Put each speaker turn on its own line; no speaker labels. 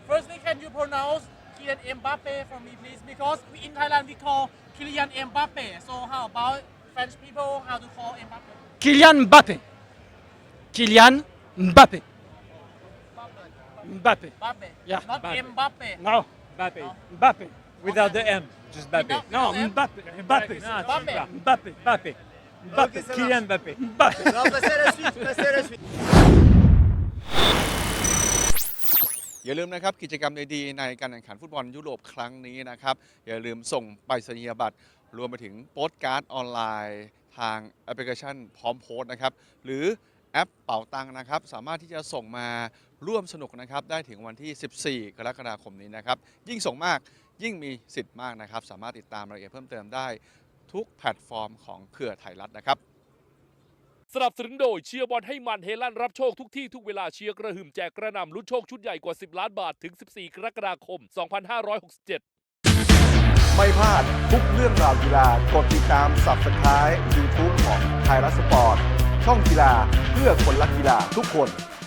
Firstly, can you pronounce Kylian Mbappe for me, please? Because in Thailand we call Kylian Mbappe. So how about French people? How to call Mbappe?
Kylian Mbappé. Kylian Mbappé. Mbappé.
Mbappe.
Yeah,
Not
Mbappe.
Mbappe.
No.
Mbappe.
Mbappé.
Without the M, just Mbappe.
Without-
No,
Mbappé.
Mbappé. Mbappé.
Non,
Mbappé.
Mbappé.
Mbappé.
Mbappé.
Kylian Mbappé.
Mbappé.
Non, passez à la suite, passez à la suite.
อย่าลืมนะครับกิจกรรมดีๆในการแข่งขันฟุตบอลยุโรปครั้งนี้นะครับอย่าลืมส่งไปรษณียบัตรรวมไปถึงโปสการ์ดออนไลน์ทางแอปพลิเคชันพร้อมโพสต์นะครับหรือแอปเป๋าตังค์นะครับสามารถที่จะส่งมาร่วมสนุกนะครับได้ถึงวันที่ 14 กรกฎาคมนี้นะครับยิ่งส่งมากยิ่งมีสิทธิ์มากนะครับสามารถติดตามรายละเอียดเพิ่มเติมได้ทุกแพลตฟอร์มของเครือไทยรัฐนะครับ
สนับสนุนโดยเชียร์บอลให้มันเฮลั่นรับโชคทุกที่ทุกเวลาเชียร์กระหึ่มแจกกระหน่ำลุ้นโชคชุดใหญ่กว่า 10 ล้านบาทถึง 14 กรกฎาคม 2567
ไม่พลาดทุกเรื่องราวกีฬากดติดตาม Subscribe YouTube ของไทยรัฐสปอร์ต ช่องกีฬาเพื่อคนรักกีฬาทุกคน